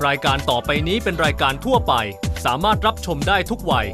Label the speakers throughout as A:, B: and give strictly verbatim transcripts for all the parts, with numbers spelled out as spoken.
A: รายการต่อไปนี้เป็นรายการทั่วไปสามารถรับชมได้ทุกวัย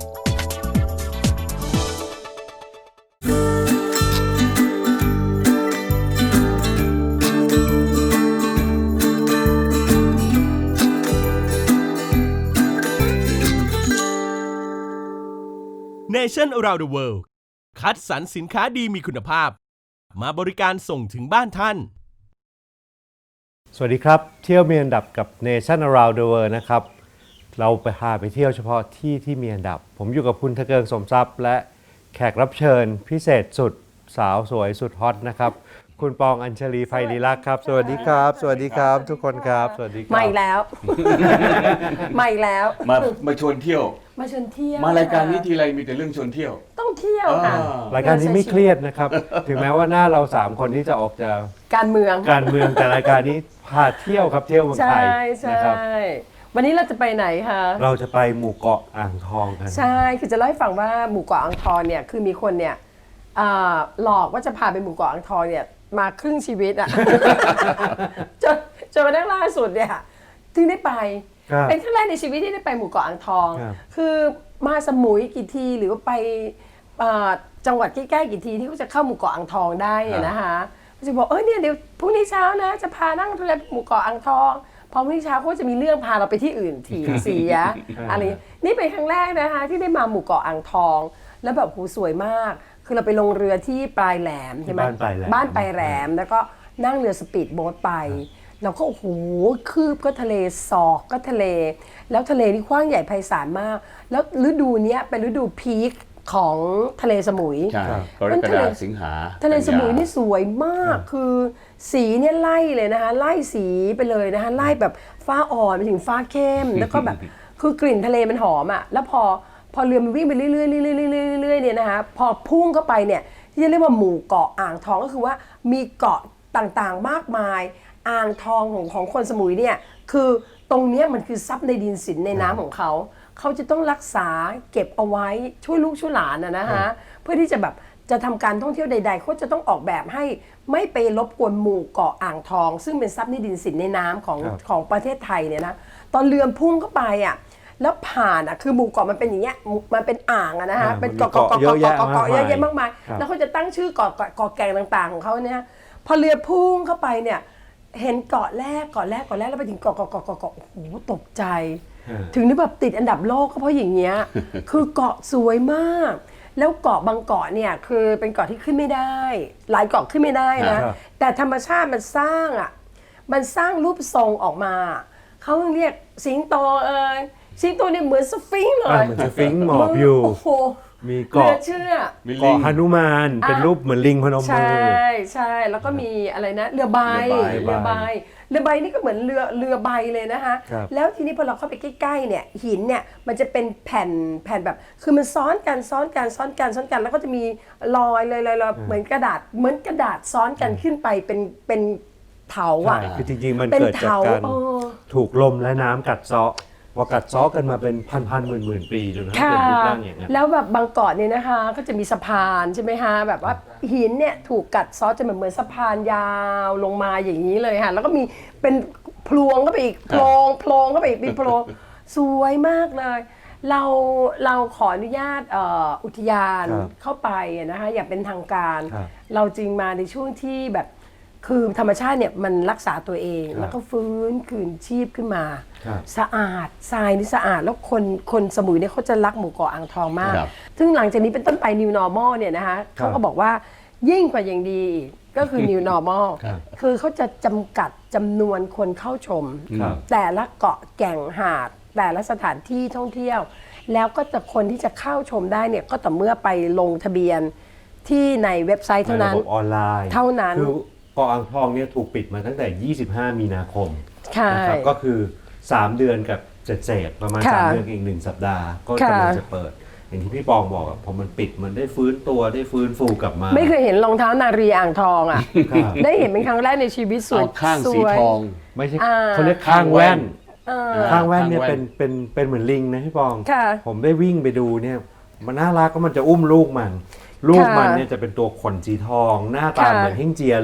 B: Nation Around the World คัดสรรสินค้าดีมีคุณภาพมาบริการส่งถึงบ้านท่าน
C: สวัสดีครับเที่ยวมีอันดับกับ Nation Around the World นะครับเราไปพาไปเที่ยวเฉพาะที่ที่มีอันดับผมอยู่กับคุณทะเกิงสมทรัพย์และแขกรับเชิญพิเศษสุดสาวสวยสุดฮอตนะครับคุณปองอัญชลีไพลีลักษณ์ครับสวัสดีครับสวัสดีครับทุกคนครับสวัสดีครับ
D: มาอีกแล้ว มาอีกแล้ว
E: มามาชวนเที่ยว
D: มาชวนเที่ยว
E: มารายการนี้ทีไรมีแต่เรื่องชวนเที่ยว
D: ต้องเที่ยวค่ะ
C: รายการนี้ไม่เครียดนะครับถึงแม้ว่าหน้าเราสามคนที่จะออกจาก
D: การเมือง
C: การเมืองแต่รายการนี้พาเที่ยวครับเที่ยวเมืองไทยนะครับ
D: วันนี้เราจะไปไหนคะ
C: เราจะไปหมู่เกาะอ่างทองกัน
D: ใช่คือจะเล่าให้ฟังว่าหมู่เกาะอ่างทองเนี่ยคือมีคนเนี่ยหลอกว่าจะพาไปหมู่เกาะอ่างทองเนี่ยมาครึ่งชีวิตอ่ะ จนจนมาได้ล่าสุดเนี่ยถึงได้ไปเป็นครั้งแรกในชีวิตที่ได้ไปหมู่เกาะอ่างทองคือมาสมุยกี่ทีหรือว่าไปจังหวัดใกล้ๆกี่ทีที่เขาจะเข้าหมู่เกาะอ่างทองได้นะคะเขาจะบอกเออเนี่ยเดี๋ยวพรุ่งนี้เช้านะจะพานั่งเรือหมู่เกาะอ่างทองพอพรุ่งนี้เช้าเขาจะมีเรื่องพาเราไปที่อื่นทีเสียอะไรนี่เป็นครั้งแรกนะคะที่ได้มาหมู่เกาะอ่างทองแล้วแบบโหสวยมากคือเราไปลงเรือที่ปลายแหลมใช่ไหมบ้านปลายแหลมบ้านปลายแหลมแล้วก็นั่งเรือสปีดโบ๊ทไปเราก็โอ้โหคืบก็ทะเลศอกก็ทะเลแล้วทะเลนี่กว้างใหญ่ไพศาลมากแล้วฤดูนี้เป็นฤดูพีคของทะเลสมุย
E: ใช่กรกฎาคมสิงหา
D: ทะเลสมุยนี่สวยมากคือสีเนี่ยไล่เลยนะคะไล่สีไปเลยนะคะไล่แบบฟ้าอ่อนไปถึงฟ้าเข้มแล้วก็แบบคือกลิ่นทะเลมันหอมอ่ะแล้วพอพอเรือมันวิ่งไปเรื่อยๆเรื่อยๆเรื่อยๆเนี่ยนะคะพอพุ่งเข้าไปเนี่ยที่เรียกว่าหมู่เกาะอ่างทองก็คือว่ามีเกาะต่างๆมากมายอ่างทองของของคนสมุยเนี่ยคือตรงนี้มันคือทรัพย์ในดินสินในน้ำของเขาเขาจะต้องรักษาเก็บเอาไว้ช่วยลูกช่วยหลานนะนะคะเพื่อที่จะแบบจะทำการท่องเที่ยวใดๆเขาจะต้องออกแบบให้ไม่ไปรบกวนหมู่เกาะอ่างทองซึ่งเป็นทรัพย์ในดินสินในน้ำของของประเทศไทยเนี่ยนะตอนเรือพุ่งเข้าไปอ่ะแล้วผ่านอ่ะคือหมู่เกาะมันเป็นอย่างเงี้ยมันเป็นอ่างอะนะคะเป็นเกาะเกาะเกาะเกาะเกาะเกาะเยอะแยะมากมายแล้วเขาจะตั้งชื่อเกาะเกาะแก่งต่างๆของเขาเนี่ยพอเรือพุ่งเข้าไปเนี่ยเห็นเกาะแรกเกาะแรกเกาะแรกแล้วไปถึงเกาะเกาะเกาะเกาะเกาะโอ้โหตกใจถึงได้แบบติดอันดับโลกก็เพราะอย่างเงี้ยคือเกาะสวยมากแล้วเกาะบางเกาะเนี่ยคือเป็นเกาะที่ขึ้นไม่ได้หลายเกาะขึ้นไม่ได้นะแต่ธรรมชาติมันสร้างอ่ะมันสร้างรูปทรงออกมาเขาเรียกสิงโตเออสิงโตเนี่ยเหมือนสฟิงค์เลย
C: เหมือนสฟิงค์หมอบอยู่มีเกาะ
D: เชื่อ
C: เกาะหนุมานเป็นรูปเหมือนลิงพนมมือ
D: ใช่ใช่แล้วก็มีอะไรนะเรือใบเรือใบเรือใบนี่ก็เหมือนเรือเรือใบเลยนะคะแล้วทีนี้พอเราเข้าไปใกล้ๆเนี่ยหินเนี่ยมันจะเป็นแผ่นแผ่นแบบคือมันซ้อนกันซ้อนกันซ้อนกันซ้อนกันแล้วก็จะมีรอยเลยเลยเหมือนกระดาษเหมือนกระดาษซ้อนกันขึ้นไปเป็นเป็นเถาอ่ะ
C: คือจริงๆมันเกิดจากการถูกลมและน้ำกัดเซาะพอกัดซ้อกันมาเป็นพันๆหมื่นๆปีจนกระทั่งเป็นรูปร่างอย่างนี้
D: แล้วแบบบางเกาะเนี่ยนะคะก็จะมีสะพานใช่ไหมคะแบบว่าหินเนี่ยถูกกัดซ้อจนเหมือนสะพานยาวลงมาอย่างนี้เลยค่ะแล้วก็มีเป็นพลวงเข้าไปอีกโพรงโพรงเข้าไปอีกเป็นโพรงสวยมากเลยเราเราขออนุญาตอุทยานเข้าไปนะคะอย่างเป็นทางการเราจึงมาในช่วงที่แบบคือธรรมชาติเนี่ยมันรักษาตัวเองแล้วก็ฟื้นคืนชีพขึ้นมาสะอาดทรายนี่สะอาดแล้วคนคนสมุยเนี่ยเขาจะรักหมู่เกาะอ่างทองมากซึ่งหลังจากนี้เป็นต้นไป New Normal เนี่ยนะคะเขาก็บอกว่ายิ่งกว่าอย่างดีก็คือ New Normal คือเขาจะจำกัดจำนวนคนเข้าชมแต่ละเกาะแก่งหาดแต่ละสถานที่ท่องเที่ยวแล้วก็จะคนที่จะเข้าชมได้เนี่ยก็ต่อเมื่อไปลงทะเบียนที่ในเว็บไซต์เท่านั้น
C: ระบบออนไลน์
D: เท่านั้น
C: เกาะอ่างทองเนี่ยถูกปิดมาตั้งแต่ยี่สิบห้ามีนาคมนะครับก็คือสามเดือนกับเศษๆประมาณสามเดือนอีกหนึ่งสัปดาห์ก็กำลังจะเปิดอย่างที่พี่ปองบอกพอมันปิดมันได้ฟื้นตัวได้ฟื้นฟูกลับมา
D: ไม่เคยเห็นรองเท้านารีอ่างทองอ่ะได้เห็นเป็นครั้งแรกในชีวิตสวย
E: ข้างสีทอง
C: ไม่ใช่เขาเรียกข้างแว่นข้างแว่นเนี่ยเป็นเป็นเป็นเหมือนลิงนะพี่ปองผมได้วิ่งไปดูเนี่ยมันน่ารักก็มันจะอุ้มลูกมันลูกมันเนี่ยจะเป็นตัวขนสีทองหน้าตาเหมือนเฮ่งเจียเลย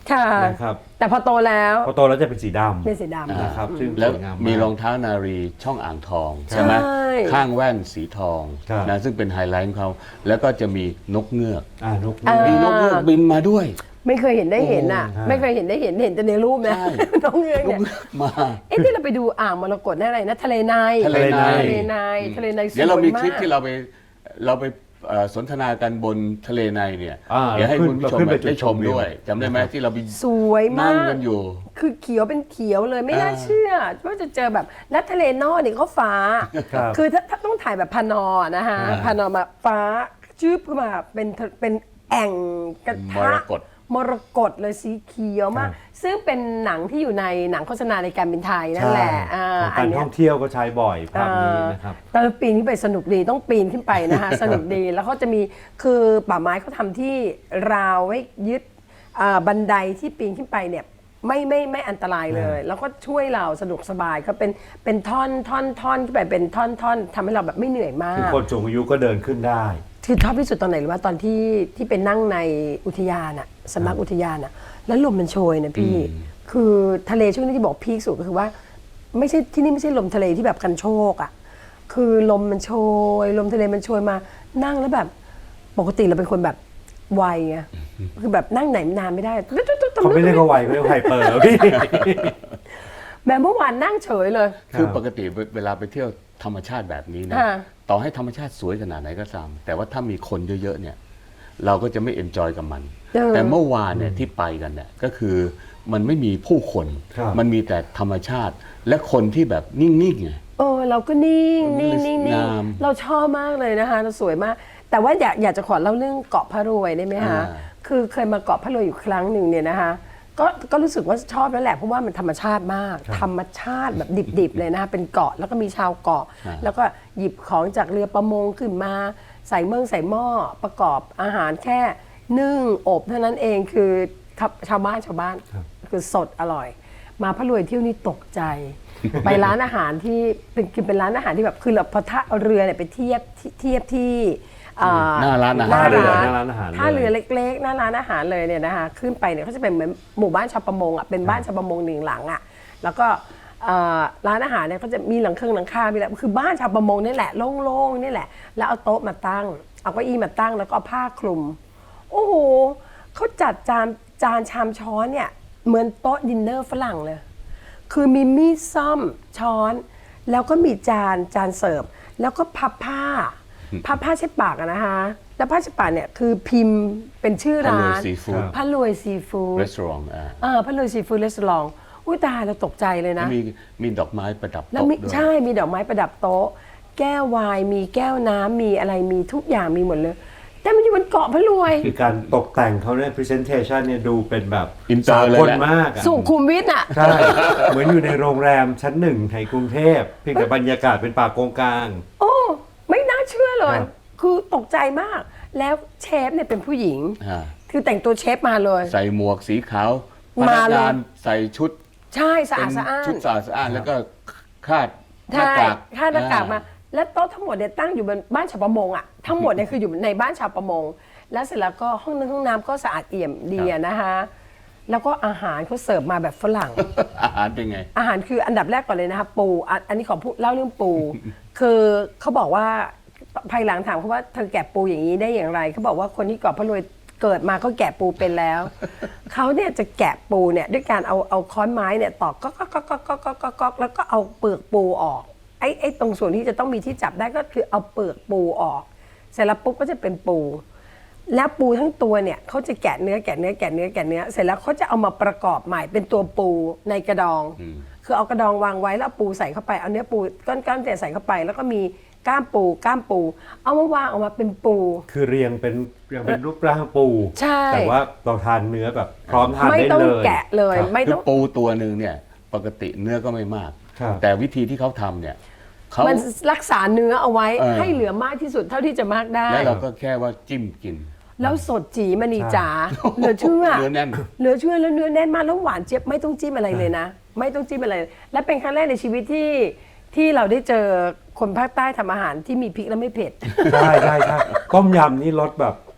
D: ค่ะ
C: นะครับ
D: แต่พอโตแล้ว
C: พอโตแล้วจะเป็นสีด
D: เป็นสีดำ
C: ำนะครับซึ่ง
E: แล้ว
C: สวยงาม
E: มี
C: มาก
E: รองเท้านารีช่องอ่างทองใช่ไหม
D: ใช่
E: ข้างแว่นสีทอง
C: ครับ
E: นะซึ่งเป็นไฮไลท์ของเขาแล้วก็จะมีนกเงือก
C: อ่านก
D: อ่า
E: มีนกเงือกบินมาด้วย
D: ไม่เคยเห็นได้เห็นอ่ะ
C: โอ้
D: ไม่เคยเห็นได้เห็นเห็นแต่ในรูปนะ
E: ใช่
D: น้องเงือก
E: นก
D: เนี่ย
E: เงือกมา
D: เอ๊ะที่เราไปดูอ่างมรกตนั่นอะไรนะทะเลใน
E: ทะเลใน
D: ทะเลในทะเลในสวยมาก
E: เดี๋ยวเรามีคลิปที่เราไปเราไปเอ่อสนทนากันบนทะเลในเนี่ย
C: อ่า
E: เดี๋ยวให้คุณผู้ชม
C: เราขึ้นไปจุด
E: ได้ชม
C: ชมวิว
E: ด้วยจำได้ไหมที่เราไป
D: สวยมา
E: นั่ง
D: ก
E: กันอยู่
D: คือเขียวเป็นเขียวเลยไม่น่า
E: อ่า
D: เชื่อว่าจะเจอแบบและทะเลนอกนี่ก็ฟ้า
C: ครับ
D: คือถ้าถ้าต้องถ่ายแบบพานอนะคะ
E: อ่า
D: พานอมาฟ้าจืบขึ้นมาเป็นทะเป็นแอ่งกระ
E: ม
D: ทะ
E: รกต
D: มรกตเลยสีเขียวมาก
C: ครับ
D: ซึ่งเป็นหนังที่อยู่ในหนังโฆษณาในการบินไทยนั่นแหละ
C: ใช่
D: อ่า
C: ของ
D: อั
C: กาน ร
D: เนี้
C: ท่
D: ย
C: องเที่ยวก็ใช้บ่อยภาพนี้นะครับ
D: เออปีนขึ้นไปสนุกดีต้องปีนขึ้นไปนะคะ สนุกดีแล้วเขาจะมีคือป่าไม้เขาทำที่ราวให้ยึดอ่าบันไดที่ปีนขึ้นไปเนี่ยไม่ไม่ไม่อันตรายเลย แล้วก็ช่วยเราสะดวกสบายเขาเป็นเป็นท่อนท่อนท่อนขึ้นไปเป็นท่อนท่อนทำให้เราแบบไม่เหนื่อยมา
C: คือก คนสูงอายุก็เดินขึ้นได้
D: คือชอบที่สุดตอนไหนหรือว่าตอนที่ที่ไปนั่งในอุทยานอะสำนักอุทยานอะแล้วลมมันโชยนะพี่ คือทะเลช่วงนี้ที่บอกพีคสุดก็คือว่า ไม่ใช่ที่นี่ไม่ใช่ลมทะเลที่แบบกันโชกอะคือลมมันโชย ลมทะเลมันโชยมานั่งแล้วแบบปกติเราเป็นคนแบบไวไงคือแบบนั่งไหนนานไม่ได้
C: เขาไม่เรียกว่าไวเขาเรียกว่าไฮเปอร์พี่
D: แบบเมื่อวานนั่งเฉยเลย
E: คือปกติเวลาไปเที่ยวธรรมชาติแบบนี้นะ
D: ค่ะ
E: ต่อให้ธรรมชาติสวยขนาดไหนก็ตามแต่ว่าถ้ามีคนเยอะๆเนี่ยเราก็จะไม่เอนจอยกับมัน
D: เออ
E: แต่เมื่อวานเนี่ยที่ไปกันเนี่ยก็คือมันไม่มีผู้คน
C: ครับ
E: มันมีแต่ธรรมชาติ และคนที่แบบนิ่งๆไง
D: เออเราก็นิ่งนิ่งนิ่งนิ่ง
E: งาม
D: เราชอบมากเลยนะคะเราสวยมาก แต่ว่าอยากอยากจะขอเล่าเรื่องเกาะพระรวยได้ไหมคะ
E: อ่า
D: คือเคยมาเกาะพระรวยอยู่ครั้งหนึ่งเนี่ยนะคะก็ก็รู้สึกว่าชอบแล้วแหละเพราะว่ามันธรรมชาติมาก ธรรมชาติแบบดิบๆเลยนะคะเป็นเกาะแล้วก็มีชาวเกาะ แล้วก็หยิบของจากเรือประมงขึ้นมาใส่เมืองใส่หม้อประกอบอาหารแค่นึ่งอบเท่านั้นเองคือชาวบ้านชาวบ้านคือสดอร่อย มาพระรวยเที่ยวนี้ตกใจ ไปร้านอาหารที่เป็นคือเป็นร้านอาหารที่แบบคือเราพอท่าเอาเรือเนี่ยไปเทียบที่เทียบที่อ่
E: หน้าร้านอา
D: ห
E: หาร
C: เรือ
D: ร้าน
C: หน้าร้านอาหารเลย
D: ท่าเรือเล็กๆหน้าร้านอาหารเลยเนี่ยนะคะขึ้นไปเนี่ยเขาจะเป็นเหมือนหมู่บ้านชาวประมงอ่ะเป็นบ้านชาวประมงหนึ่งหลังอ่ะแล้วก็เอ่อร้านอาหารเนี่ยก็จะมีหลังเครื่องหลังคามีอะไรคือบ้านชาวประมงนี่แหละโล่งๆนี่แหละแล้วเอาโต๊ะมาตั้งเอาเก้าอี้มาตั้งแล้วก็เอาผ้าคลุมโอ้โหเขาจัดจานจานชามช้อนเนี่ยเหมือนโต๊ะดินเนอร์ฝรั่งเลย คือมีมีดซ่อมช้อน แล้วก็มีจานจานเสิร์ฟแล้วก็พับผ้า พับผ้าเช็ดปากอะนะคะแล้วผ้าเช็ดปากเนี่ยคือพิมพ์เป็นชื่อร้าน
E: พะรวยซีฟู้ด
D: พะรวยซีฟู้ด
E: รีสอร์ทอ่า
D: เออพะรวยซีฟู้ดรีสอร์ทอุ้ยตายเราตกใจเลย
E: แล้ว
D: นะ
E: มีมีดอกไม้ประดับ
D: แล้ว
E: โต๊ะ
D: มี
E: ด้วย
D: ใช่มีดอกไม้ประดับโต๊ะ แก้วไวน์มีแก้วน้ำมีอะไรมีทุกอย่างมีหมดเลย แต่มันอยู่บนเกาะพะรวย
C: คือการตกแต่งเขาเนี่ย presentation เนี่ยดูเป็นแบบ
E: อินเตอร์เลย
C: สากล
E: แหละ
C: มากอะ
D: สุขุมวิทอ่ะ
C: ใช่ เหมือนอยู่ในโรงแรมชั้นหนึ่งในกรุงเทพเพียงแต่บรรยากาศเป็นป่าโกงกลาง
D: โอ้ ไม่น่าเชื่อเลย
C: ครับ
D: คือตกใจมาก แล้วเชฟเนี่ยเป็นผู้หญิง
E: อ่า
D: คือแต่งตัวเชฟมาเลย
E: ใส่หมวกสีขาวพ
D: มา
E: นัก
D: เลย
E: งานใส่ชุด
D: ใช่สะ
E: เป็
D: อาด
E: น
D: สะอ้าน
E: ชุดสะอาดสะอ้านแล้วก็คาดหน้า
D: ใช่
E: กาก
D: ค่าหน้ากากมา แล้วโต๊ะทั้งหมดเนี่ยตั้งอยู่บนบ้านชาวประมงอ่ะ ทั้งหมดเนี่ยคืออยู่ในบ้านชาวประมง แล้วเสร็จแล้วก็ห้องนึงห้องน้ำก็สะอาดเอี่ยมดีอะนะคะ แล้วก็อาหารเขาเสิร์ฟมาแบบฝรั่ง
E: อาหารเป็นไง
D: อาหารคืออันดับแรกก่อนเลยนะคะปูอ่ะอันนี้ขอพูดเล่าเรื่องปู คือเขาบอกว่าภายหลังถามเขาว่าเธอแกะปูอย่างนี้ได้อย่างไรเขาบอกว่าคนที่เกาะพะรวยเกิดมาก็แกะปูเป็นแล้ว เขาเนี่ยจะแกะปูเนี่ยด้วยการเอาเอาค้อนไม้เนี่ยตอกก็ก็ก็ก็ก็ก็ก็แล้วก็เอาเปลือกปูออกไอ้ไอ้ตรงส่วนที่จะต้องมีที่จับได้ก็คือเอาเปลือกปูออก เสร็จแล้วปุ๊บก็จะเป็นปู แล้วปูทั้งตัวเนี่ยเขาจะแกะเนื้อแกะเนื้อแกะเนื้อแกะเนื้อเสร็จแล้วเขาจะเอามาประกอบใหม่เป็นตัวปูในกระดอง คือเอากระดองวางไว้แล้วเอาปูใส่เข้าไปเอาเนื้อปูก้อนๆแต่ใส่เข้าไป แล้วก็มีก้ามปูก้ามปู เอามาวางออกมาเป็นปู
C: คือเรียงเป็นเรียงเป็นรูปร่างปู
D: ใช่
C: แต่ว่าเราทานเนื้อแบบพร้อมทาน
D: ไม่
C: ได้
D: ต้อง
C: เลย
D: แกะเลย
C: ครับ
D: ไม่
E: คื
D: ต้
E: อ
D: อง
E: ปูตัวหนึ่งเนี่ยปกติเนื้อก็ไม่มาก
C: ครับ
E: แต่วิธีที่เขาทำเนี่ยเขา
D: มันรักษาเนื้อเอาไว้
E: เออ
D: ให้เหลือมากที่สุดเท่าที่จะมากได้
E: แล้วเราก็แค่ว่าจิ้มกิน
D: แล้วสดจีมณีจ๋าเหลือเชื่อ
E: เนื้อแน่น
D: เหลือเชื่อแล้วเนื้อแน่นมากแล้วหวานเจี๊ยบไม่ต้องจิ้มอะไรเลยนะ ไม่ต้องจิ้มอะไร และเป็นครั้งแรกในชีวิตที่ที่เราได้เจอคนภาคใต้ทำอาหารที่มีพริกและไม่เผ็ด
C: ใช่ใช่ใช่ต้มยำนี่รสแบบ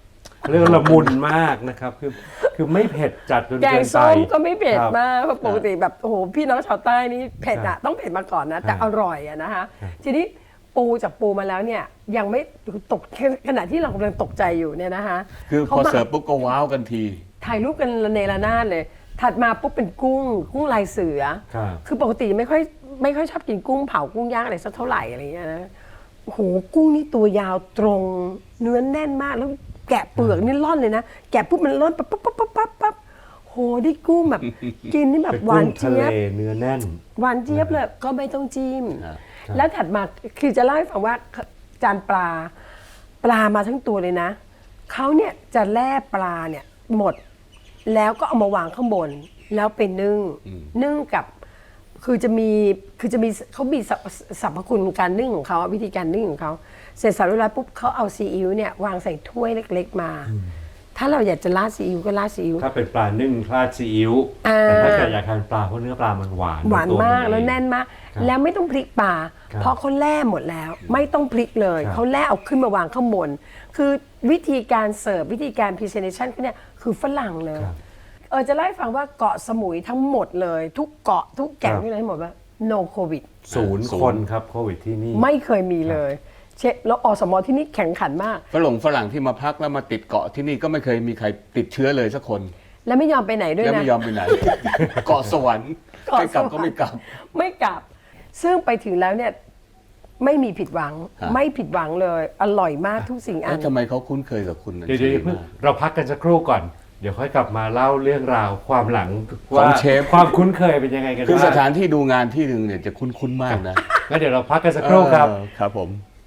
C: เรื่องละมุนมากนะครับคือคือไม่เผ็ดจัดจน
D: แก
C: เกิ
D: ง
C: นไป
D: ส้มก็ไม่เผ็ด
C: ครับ
D: มากเพราะปกติแบบโอ้โหพี่น้องชาวใต้นี่เผ็ด
C: ครั
D: อะ
C: บ
D: ต้องเผ็ดมาก่อนนะแต่
C: ครับ
D: อร่อยอะนะคะทีนี้ปูจากปูมาแล้วเนี่ยยังไม่ตกขณะที่เรากำลังตกใจอยู่เนี่ยนะคะ
E: คือพ
D: ขา
E: อ
D: มา
E: เสิร์ฟปุ๊บก็ว้าวกันที
D: ถ่ายรูปกันระเนระนาดเลย ถัดมาปุ๊บเป็นกุ้งกุ้งลายเสือ
C: ครับ
D: คือปกติไม่ค่อยไม่ค่อยชอบกินกุ้งเผากุ้งย่างอะไรสักเท่าไหร่อะไรเงี้ยนะโอ้โหกุ้งนี่ตัวยาวตรงเนื้อแน่นมากแล้วแกะเปลือกนี่ร่อนเลยนะแกะปุ๊บมันร่อนปั๊บปั๊บปั๊บปั๊บปั๊บปั๊บโหได้กุ้งแบบ กินนี่แบบ
C: เป็น
D: หวาน
C: กุ้งทะ
D: เจี๊
C: เลย
D: บ
C: เนื้อแน่น
D: หวานเจี๊ยบเลยก็ไม่ต้องจิ้ม
E: ครับ
D: แล้วถัดมาคือจะเล่าให้ฟังว่าจานปลาปลามาทั้งตัวเลยนะเขาเนี่ยจะแล่ปลาเนี่ยหมดแล้วก็เอามาวางข้างบน แล้วเป็นนึ่งนึ่งกับคือจะมีคือจะมีเขามีสรรพสรรพคุณการนึ่งของเขาวิธีการนึ่งของเขาเสร็จสับเรียบร้อยปุ๊บเขาเอาซีอิ๊วเนี่ยวางใส่ถ้วยเล็กๆมา ถ้าเราอยากจะราดซีอิ๊วก็ราดซีอิ๊ว
C: ถ้าเป็นปลานึ่งราดซีอิ๊ว
D: อ่า
C: แต่ถ้าเกิดอยากทานปลาเพราะเนื้อปลามันหวาน
D: หวาน
C: ตัว
D: มาก
C: เอง
D: แล้วแน่นมาก
C: ครับ
D: แล้วไม่ต้องพลิกปลา
C: ครับ
D: เพราะเขาแล่หมดแล้ว ไม่ต้องพลิกเลย
C: ครับ
D: เขาแล่เอาขึ้นมาวางข้างบน คือวิธีการเสิร์ฟวิธีการพรีเซนเทชันเขาเนี่ยคือฝรั่งเลย
C: ครับ
D: เออจะเล่าให้ฟังว่าเกาะสมุยทั้งหมดเลย ทุกเกาะทุกแก่ง
C: ครับ
D: ที่ไหนหมดว่า no covid
C: ศูนย์
E: ศูนย์
C: คนครับโควิดที่นี่
D: ไม่เคยมีเลยเช็คแล้วอสมที่นี่แข่งขันมาก
E: ฝรั่งฝรั่งที่มาพักแล้วมาติดเกาะที่นี่ก็ไม่เคยมีใครติดเชื้อเลยสักคน
D: และไม่ยอมไปไหนด้วย
E: แล้ว
D: นะ
E: ไม่ยอมไปไหน เกาะสวรรค์
D: เกาะ
E: ไม่กลับ
D: สวรรค์
E: ก็ไม่กลับ
D: ไม่กลับ ซึ่งไปถึงแล้วเนี่ยไม่มีผิดหวัง
E: ฮะ
D: ไม่ผิดหวังเลย อร่อยมากทุกสิ่งอั
E: แล้ว
D: น
E: ทำไมเขาคุ้นเคยกับคุณ
C: เดี๋ยวเดี๋ยวเพิ่งเราพักกันสักครู่ก่อน เดี๋ยวค่อยกลับมาเล่าเรื่องราวความหลัง
E: ขอ
C: ว่าง
E: เชฟ
C: ความคุ้นเคยเป็นยังไงกัน
E: คือส
C: บ้าง
E: ถานที่ดูงานที่หนึ่งเนี่ยจะคุ้นๆมากนะ
C: งั้นเดี๋ยวเราพักกันสักครู่ครับ
E: เออครับผม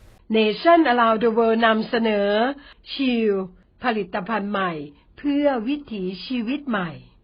D: Nation Around the World นำเสนอชิลผลิตภัณฑ์ใหม่ เพื่อวิถีชีวิตใหม่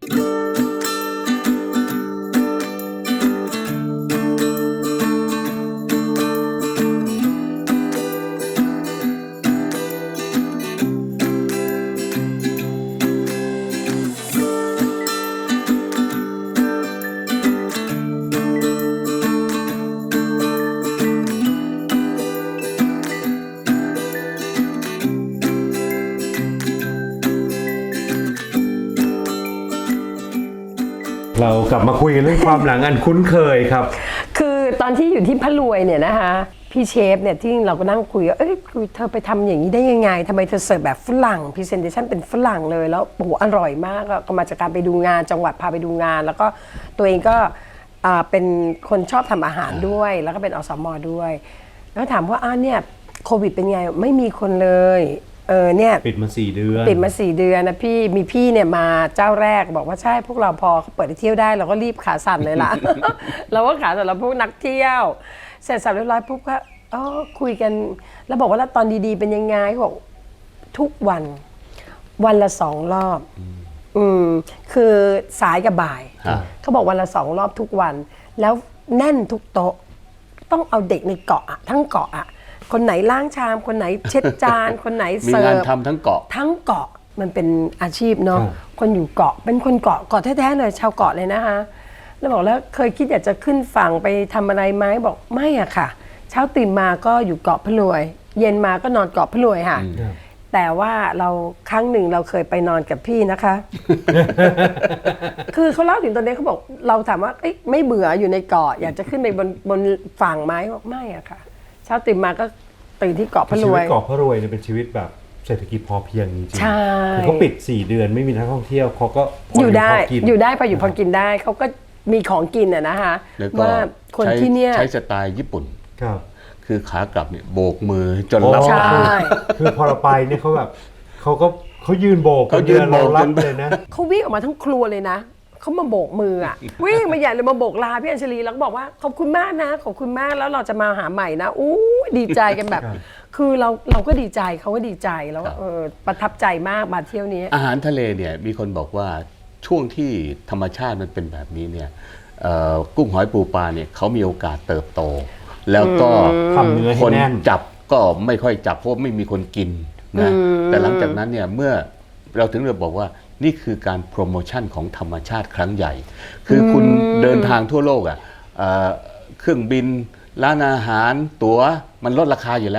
C: เรากลับมาคุยกันเรื่องความหลังอันคุ้นเคยครับ
D: คือตอนที่อยู่ที่พะรวยเนี่ยนะคะพี่เชฟเนี่ยที่เราก็นั่งคุยว่าเอ้ยคือเธอไปทำอย่างนี้ได้ยังไงทำไมเธอเสิร์ฟแบบฝรั่งพรีเซนเทชันเป็นฝรั่งเลยแล้วโอ้โหอร่อยมากก็มาจากการไปดูงานจังหวัดพาไปดูงาน แล้วก็ตัวเองก็อ่าเป็นคนชอบทำอาหารด้วย แล้วก็เป็นอสมด้วย แล้วถามว่าอ้าวเนี่ยโควิดเป็นไงไม่มีคนเลยเออเนี่ย
C: ปิดมาสี่เดือน
D: ปิดมาสี่เดือนนะพี่มีพี่เนี่ยมาเจ้าแรกบอกว่าใช่พวกเราพอเขาเปิดให้เที่ยวได้เราก็รีบขาสั่นเลยล่ะ เราก็ขาสั่นเราพวกนักเที่ยว เสร็จสับเรียบร้อยปุ๊บก็อ๋อคุยกัน แล้วบอกว่าแล้วตอนดีๆเป็นยังไงเขาบอกทุกวันวันละสองรอบอืมคือสายกับบ่าย
E: ฮะ
D: เขาบอกวันละสองรอบทุกวัน แล้วแน่นทุกโต๊ะ ต้องเอาเด็กในเกาะอะทั้งเกาะอะคนไหนล้างชาม คนไหนเช็ดจาน คนไหน
E: มี
D: เสิ
E: งาน
D: ร์ฟ
E: ทำทั้งเกาะ
D: ทั้งเกาะมันเป็นอาชีพเนาะ
C: ครับ
D: คนอยู่เกาะเป็นคนเกาะเกาะแท้ๆเลยชาวเกาะเลยนะคะแล้วบอกแล้วเคยคิดอยากจะขึ้นฝั่งไปทำอะไรไหมบอกไม่อะค่ะ เช้าตื่นมาก็อยู่เกาะพะรวย เย็นมาก็นอนเกาะพะรวยค่ะ แต่ว่าเราครั้งหนึ่งเราเคยไปนอนกับพี่นะคะ คือเขาเล่าถึงตอนนี้เขาบอกเราถามว่าเอ้ยไม่เบื่ออยู่ในเกาะอยากจะขึ้นไปบนบนฝั่งไหมบอกไม่อะค่ะ เช้าตื่นมาก็ตื่นที่เกาะพะร
C: ชี
D: ว
C: วิต
D: ย
C: เกาะพะรวยเนี่ยเป็นชีวิตแบบเศรษฐกิจพอเพียงจริงๆ
D: ใช่
C: คือเขาปิดสี่เดือนไม่มีนักท่องเที่ยวเขาก็พ
D: อยู่ได้
C: พกิน
D: อยู่ได้พออยู่พอกินได้เขาก็มีของกินอะนะคะ
E: แล้วก็
D: ว่าคน
E: ใช้
D: ที่เนี่ย
E: ใช้สไตล์ญี่ปุ่น
C: ครับ
E: คือขากลับเนี่ยโบกมือจน
C: โอ้
E: รับ
D: ใช่
C: คือพอเราไปเนี่ยเขาแบบเขาก็เขายืนโบก
E: เขายืนโบก
C: เรารับ
E: จน
C: เลยนะ
D: เขาวิ่งออกมาทั้งครัวเลยนะเขามาโบกมืออะวิ่งมาใหญ่เลยมาโบกลาพี่อัญชลีแล้วก็บอกว่าขอบคุณมากนะขอบคุณมากแล้วเราจะมาหาใหม่นะอู้ดีใจกันแบบ
C: ครับ
D: คือเราเราก็ดีใจเขาก็ดีใจแล้วก็เออประทับใจมากมาเที่ยวนี้
E: อาหารทะเลเนี่ยมีคนบอกว่าช่วงที่ธรรมชาติมันเป็นแบบนี้เนี่ยเอ่อกุ้งหอยปูปลาเนี่ยเขามีโอกาสเติบโต แล้วก็
C: ทำเนื้อ
E: ค
C: ให้
E: น
C: แน่น
E: จับก็ไม่ค่อยจับเพราะไม่มีคนกินนะแต่หลังจากนั้นเนี่ยเมื่อเราถึงเราบอกว่านี่คือการโปรโมชั่นของธรรมชาติครั้งใหญ่ คือคุณเดินทางทั่วโลกอ่ะเอ่อเครื่องบินร้านอาหารตั๋วมันลดราคาอยู่แล้ว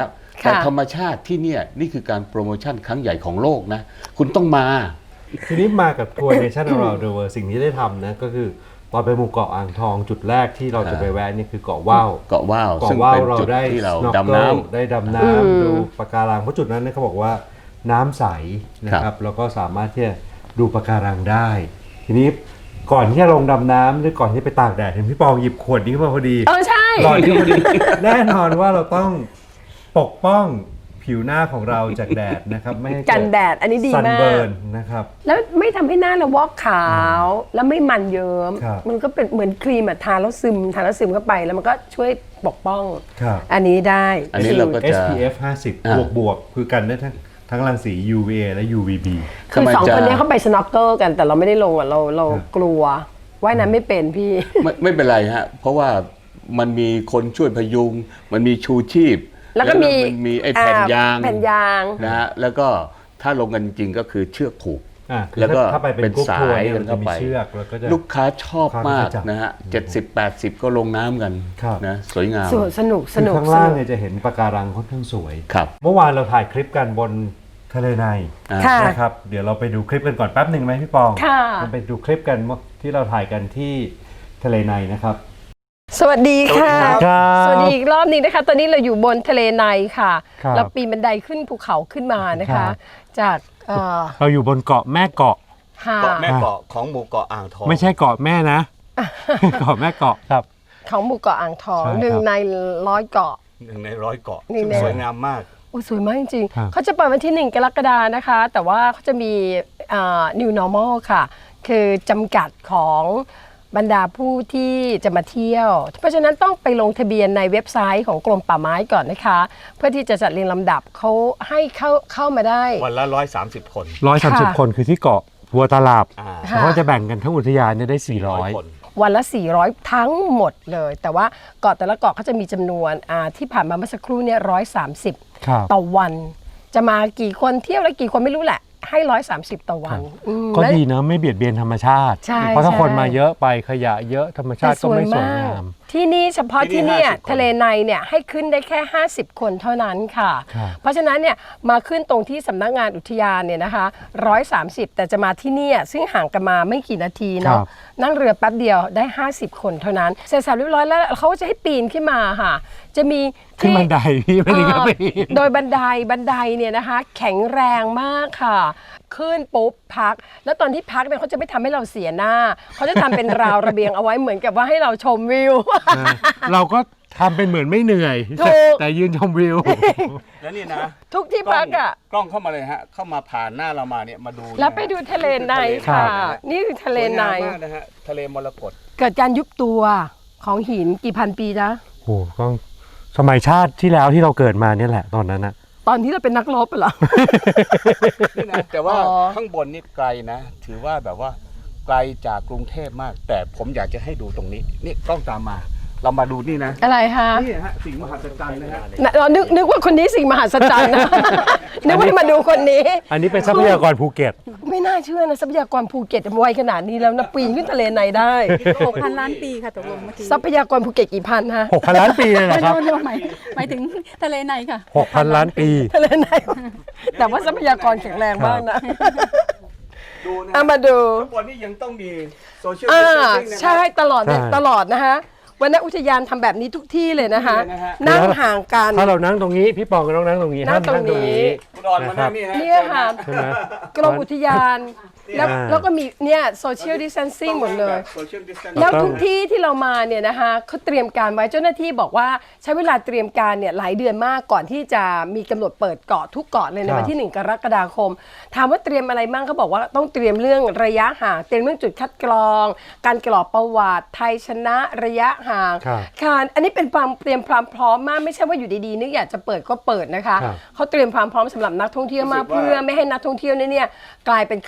E: แต่
D: ค่ะ
E: ธรรมชาติที่เนี่ยนี่คือการโปรโมชั่นครั้งใหญ่ของโลกนะ คุณต้องมา
C: ทีนี้มากับทัวร์ Nation Around the World สิ่งที่ได้ทำนะก็คือตอนไปหมู่เกาะอ่างทองจุดแรกที่เราจะไปแวะนี่คือเกาะว่าว
E: เกาะว่าว
C: เกาะ
E: ซึ่ง
C: ว่าว
E: เป็น
C: เรา
E: จุด
C: ได้
E: ที่เรา
C: snorkel
E: ดำน้ำ
C: ได้ดำน้ำดูปะการังเพราะจุดนั้นเนี่ยเขาบอกว่าน้ำใสนะค
E: ครั
C: รับบ แล้วก็สามารถที่จะดูปะการังได้ ทีนี้ก่อนที่จะลงดำน้ำหรือก่อนที่ไปตากแดดเห็นพี่ปองหยิบขวดนี้ขึ้นมาพอดี
D: เออใช่
C: ก่อนที่พอดี แน่นอนว่าเราต้องปกป้องผิวหน้าของเราจากแดดนะครับไม่ให้เ
D: กันแดดอันนี้ดี
C: ซัน
D: มาก
C: เบิร์นนะครับ
D: แล้วไม่ทำให้หน้าเราวอกขาวแล้วไม่มันเยิ้ม
C: ครับ
D: มันก็เป็นเหมือนครีมอะทาแล้วซึมทาแล้วซึมเข้าไปแล้วมันก็ช่วยปกป้อง
C: ครับ
D: อันนี้ได้
E: อันนี้เราก็
C: เอส
E: จะ
C: พี เอฟ ห้าสิบ
E: อ่า
C: บวกบวกๆคือกันได้ทั้งทั้งรังสี ยู วี เอ และ ยู วี บี
D: คือ
E: ทำไม
D: สอง
E: จะ
D: คนเนี้ยเขาไปสโนว์เกิลกันแต่เราไม่ได้ลงอะเราเรา
C: ครับ
D: กลัวว่ายน้ำไม่เป็นพี่
E: ไม่ไม่เป็นไรฮะ เพราะว่ามันมีคนช่วยพยุง มันมีชูชีพ
D: แล้วก็มี
E: นมีไอ้แผ่นยาง
D: อ่แผ่นยาง
E: นะฮะแล้วก็ถ้าลงกันจริงๆก็คือเชือกผูก
C: อ่ะคือ
E: แล้วก็
C: ถ้าไปเป็
E: เป็น น
C: กรุ๊ป
E: สา
C: ทัวร์
E: ย
C: เนี่ย
E: กัน
C: มันจะ
E: เข้า
C: มี
E: ไป
C: เชือกแล้วก็จะ
E: ลูกค้าชอบมาก
C: ความจับ
E: นะฮะเจ็ดสิบแปดสิบก็ลงน้ำกัน
C: ครับ
E: นะสวยงาม
D: สวยสนุกส
C: คือ
D: นุก
C: ข้าง
D: ส
C: ล่าง
D: นุก
C: เนี่ยจะเห็นปะการังค่อนข้างสวย
E: ครับ
C: เมื่อวานเราถ่ายคลิปกันบนทะเลใน
E: อ่า
D: ค่ะ
C: นะครับเดี๋ยวเราไปดูคลิปกันก่อนแป๊บหนึ่งไหมพี่ปอง
D: ค่ะ
C: เราไปดูคลิปกันที่เราถ่ายกันที่ทะเลในนะครับ
D: สวัสดีค่ะ
C: ครับ
D: สวัสดีอีกรอบหนึงนะคะ ตอนนี้เราอยู่บนทะเลในค่ะ
C: ครับ
D: เราปีนบันไดขึ้นภูเขาขึ้นมานะ
C: ครั
D: คะ
C: บ
D: จากเอ่อ
C: เราอยู่บนเกาะแม่เกาะ
D: หา
E: เกาะแม่เกาะของหมู่เกาะอ่างทอง
C: ไม่ใช่เกาะแม่นะ เกาะแม่เกาะครับ
D: ของหมู่เกาะอ่างทอง
C: ใช่ครับ
D: หนึ่งในร้อยเกาะ
E: หนึ่งในร้อยเกาะ
D: นี่
E: ซึ่ง
D: แน่
E: สวยงามมาก
D: โอ้สวยมากจริง
C: ครับ
D: ๆเขาจะเปิดวันที่หนึ่งกรกฎานะคะ แต่ว่าเขาจะมีอ่า new normal ค่ะ คือจำกัดของบรรดาผู้ที่จะมาเที่ยว เพราะฉะนั้นต้องไปลงทะเบียนในเว็บไซต์ของกรมป่าไม้ก่อนนะคะ เพื่อที่จะจัดเรียงลำดับเขาให้เข้าเข้ามาได้
E: วันละร้อยสามสิบคน
C: ร้อยสามสิบ
D: ค่ะ
C: คนคือที่เกาะวัวตาลาบ
E: อ่า
C: แล้วก็จะแบ่งกันทั้งอุทยานเนี่ยได้สี่ร้อย
E: คน
D: วันละ สี่ร้อย ทั้งหมดเลย แต่ว่าเกาะแต่ละเกาะเขาจะมีจำนวนอ่าที่ผ่านมาเมื่อสักครู่เนี่ยร้อยสามสิบ
C: ครับ
D: ต่อวัน จะมากี่คนเที่ยวแล้วกี่คนไม่รู้แหละ ให้ร้อยสามสิบต่อวันอืม
C: ก็
D: และ
C: ดีนะไม่เบียดเบียนธรรมชาติ
D: ใช่
C: เพราะถ้า
D: ใช่
C: คนมาเยอะไปขยะเยอะธรรมชาติก็ไม่สวยงาม
D: ที่นี่เฉพาะ
E: ที่
D: ที่
E: นี่
D: เนี่ย
E: ห้าสิบคน
D: ทะเลในเนี่ยให้ขึ้นได้แค่ ห้าสิบ คนเท่านั้นค่ะ
C: ครับ
D: เพราะฉะนั้นเนี่ยมาขึ้นตรงที่สำนักงานอุทยานเนี่ยนะคะหนึ่งร้อยสามสิบ แต่จะมาที่เนี่ยซึ่งห่างกันมาไม่กี่นาทีเนาะนั่งเรือแป๊บเดียวได้ ห้าสิบ คนเท่านั้นเสร็จสับเรียบร้อยแล้วเขาก็จะให้ปีนขึ้นมาค่ะ จะมี
C: ขึ้น
D: ที่
C: บันไดพี่ไม่ได้ก็ไป
D: เอ่อโดยบันไดบันไดเนี่ยนะคะแข็งแรงมากค่ะ ขึ้นปุ๊บพัก แล้วตอนที่พักเนี่ยเขาจะไม่ทำให้เราเสียหน้า เขาจะทำเป็นราวระเบียงเอาไว้เหมือนกับว่าให้เราชมวิว
C: เราก็ทำเป็นเหมือนไม่เหนื่อย
D: ถูก
C: แต่ยืนชมวิว
E: แล้วนี่นะ
D: ทุกที่พักอ่ะ
E: กล้องเข้ามาเลยฮะ เข้ามาผ่านหน้าเรามาเนี่ยมาดู
D: แล้วไปดูทะเลในค่ะ นี่คือทะเลใน
E: สวยงามมากนะฮะทะเลมรกต
D: เกิดการยุบตัวของหินกี่พันปีนะ
C: โอ้โหก็สมัยชาติที่แล้วที่เราเกิดมาเนี่ยแหละตอนนั้นนะ
D: ตอนที่เราเป็นนักรบเหรอ
E: นี่นะแต่ว่า
D: อ๋อ
E: ข้างบนนี่ไกลนะ ถือว่าแบบว่าไกลจากกรุงเทพมาก แต่ผมอยากจะให้ดูตรงนี้ นี่กล้องตามมา เรามาดูนี่นะ
D: อะไรคะ
E: นี่ฮะสิ่งมหัศจรรย์นะฮะ
D: น่ะเรานึกนึกว่าคนนี้สิ่งมหัศจรรย์นะ นึกว่ามาดูคนนี้
C: อันนี้เป็นทรัพยากรภูเก็ต
D: ไม่น่าเชื่อนะทรัพยากรภูเก็ตไวขนาดนี้แล้วนะปีนขึ้นทะเลในได้
F: หกพันล้านปีค่ะตกลงเมื่อกี้
D: ทรัพยากรภูเก็ตกี่พันฮะ
C: หกพัน ล้านปีเลยเหรอครับ
F: โน่นๆหมายหมายถึงทะเลในค่ะ
C: หกพัน ล้านปี
D: ทะเลในแต่ว่าทรัพยากรแข็งแรงมากนะ
E: ดูนะ
D: เอามาดู
E: ข้างบนนี่ยังต้องมีโซเชียล
D: อ่า
E: ดิสแทนซิ่งนะฮะ
D: ใช่ตลอดเนี่ย
C: ใช่
D: ตลอดนะคะวันนี้อุทยานทำแบบนี้ทุกที่เลยนะคะ
E: ทุกที่เลยนะฮะ
D: นั่งห่างกัน
C: ถ้าเรานั่งตรงนี้พี่ปองก็ต้องนั่งตรงนี้
D: นั่
C: ห้าง ม
D: ตรง
C: นั่งตรง
D: นี้
C: นี้
E: คุณออนมานั่งนี่ฮะ
D: เนี่ยค่ะ
C: ใช่ไหม
D: กรมอุทยานแล้ว
C: อ่า
D: แล้วก็มีเนี่ยโซเชียลดิส a นซิ่งหมดเลย
E: โซเชียลดิสแทน
D: แล้วทุกที่ที่เรามาเนี่ยนะคะเขาเตรียมการไว้เจ้าหน้าที่บอกว่าใช้เวลาเตรียมการเนี่ยหลายเดือนมากก่อนที่จะมีกำหนดเปิดเกาะทุกเกาะเลยในวันที่หนึ่งกรกฎาคม ถามว่าเตรียมอะไรบ้างเขาบอกว่าต้องเตรียมเรื่องระยะห่างเตรียมเรื่องจุดคัดกรอง การกรอกประวัติไทยชนะระยะห่าง
C: ครับ
D: ค่ะอันนี้เป็นความเตรียมความพร้อมมากไม่ใช่ว่าอยู่ดีๆนึกอยากจะเปิดก็เปิดนะคะ
C: ครับ
D: เขาเตรียมความพร้อมสำหรับนักท่องเที่ยวมากเพื่อไม่ให้นักท่องเที่ยวเนี่ยกลายเป็นคลัสเตอร์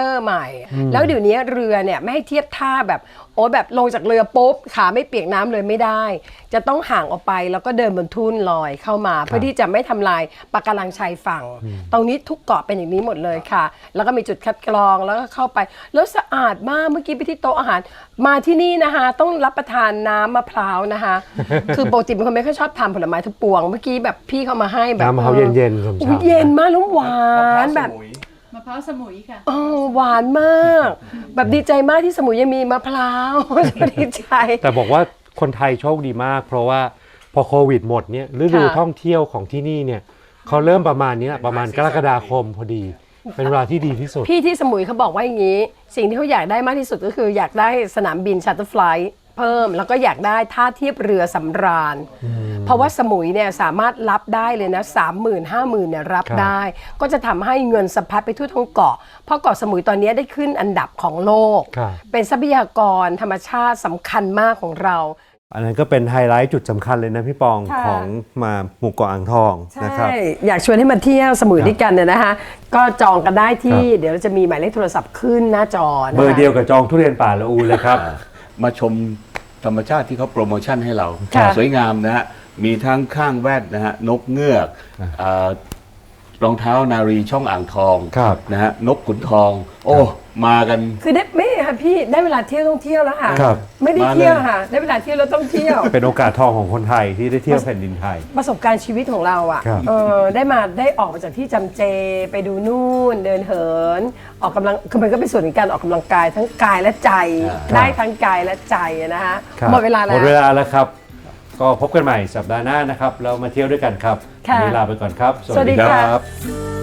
D: ใหม่ แล้วเดี๋ยวนี้เรือเนี่ยไม่ให้เทียบท่าแบบโอ้แบบลงจากเรือปุ๊บขาไม่เปียกน้ำเลยไม่ได้ จะต้องห่างออกไปแล้วก็เดินบนทุ่นลอยเข้ามา เพื่อที่จะไม่ทำลายปะการังชายฝั่ง ตรงนี้ทุกเกาะเป็นอย่างนี้หมดเลยค่ะ แล้วก็มีจุดคัดกรองแล้วก็เข้าไปแล้วสะอาดมากเมื่อกี้ไปที่โต๊ะอาหารมาที่นี่นะคะต้องรับประทานน้ำมะพร้าวนะคะ คือปกติเป็นคนไม่ค่อยชอบทานผลไม้ทุกปวงเมื่อกี้แบบพี่เขามาให้แบบ
C: น้ำมะพร้าวเย็นๆสม
D: อุ๊
C: ชาย
D: เย็นมากแล้วหวานแบบ
F: มะพร้าวสมุยค่ะ
D: เออหวานมาก แบบดีใจมากที่สมุยยังมีมะพร้าว ดีใจ
C: แต่บอกว่าคนไทยโชคดีมาก เพราะว่าพอโควิดหมดเนี่ยฤดู
D: ค่ะ
C: ท่องเที่ยวของที่นี่เนี่ยเขาเริ่มประมาณนี้แหละประมาณกรกฎาคมพอดี เป็นเวลาที่ดีที่สุด
D: พี่ที่สมุยเขาบอกว่าอย่างนี้ สิ่งที่เขาอยากได้มากที่สุดก็คืออยากได้สนามบินชัตเตอร์ไฟลท์เพิ่ม แล้วก็อยากได้ท่าเทียบเรือสำราญ เพราะว่าสมุยเนี่ยสามารถรับได้เลยนะสามหมื่นห้าหมื่นเนี่ยรับ
C: ครับ
D: ได้ ก็จะทำให้เงินสะพัดไปทั่วทั้งเกาะ เพราะเกาะสมุยตอนนี้ได้ขึ้นอันดับของโลก
C: ครับ
D: เป็นทรัพยากรธรรมชาติสำคัญมากของเรา
C: อันนั้นก็เป็นไฮไลท์จุดสำคัญเลยนะพี่ปอง
D: ค่ะ
C: ของมาหมู่เกาะอ่างทองนะครับ
D: ใช่ อยากชวนให้มาเที่ยวสมุยด้วยกันเนี่ยนะคะ ก็จองกันได้ที่
C: ครับ
D: เดี๋ยวเราจะมีหมายเลขโทรศัพท์ขึ้นหน้าจอนะคะ
C: เบอร์เดียวกับจองทุเรียนป่าละอูเลยครับ
E: มาชมธรรมชาติที่เขาโปรโมชั่นให้เรา
D: ค่ะ
E: สวยงามนะฮะ มีทั้งข้างแวดนะฮะ นกเงือกเอ่อรองเท้านารีช่องอ่างทอง
C: ครับ
E: นะฮะ นกขุนทอง โอ้ มากัน
D: คือได้ไม่ค่ะพี่ได้เวลาเที่ยวต้องเที่ยวแล้วค่ะ
C: ครับ
D: ไม่ได้
E: มาเลย
D: เที่ยวค่ะ ได้เวลาเที่ยวแล้วต้องเที่ยว
C: เป็นโอกาสทองของคนไทยที่ได้เที่ยวแผ่นดินไทย
D: ประสบการณ์ชีวิตของเราอ่ะ
C: ครับ
D: เออได้มาได้ออกมาจากที่จำเจไปดูนู่นเดินเหิน ออกกำลังคือมันก็เป็นส่วนของการออกกำลังกายทั้งกายและใจ ได้ทั้งกายและใจนะคะ
C: ครับ
D: หมดเวลาแล้ว
C: หมดเวลาแล้วครับ ก็พบกันใหม่สัปดาห์หน้านะครับ เรามาเที่ยวด้วยกันครับ
D: ค่ะ
C: วันนี้ลาไปก่อนครับ
D: สวัสดีค่ะ
C: ครับ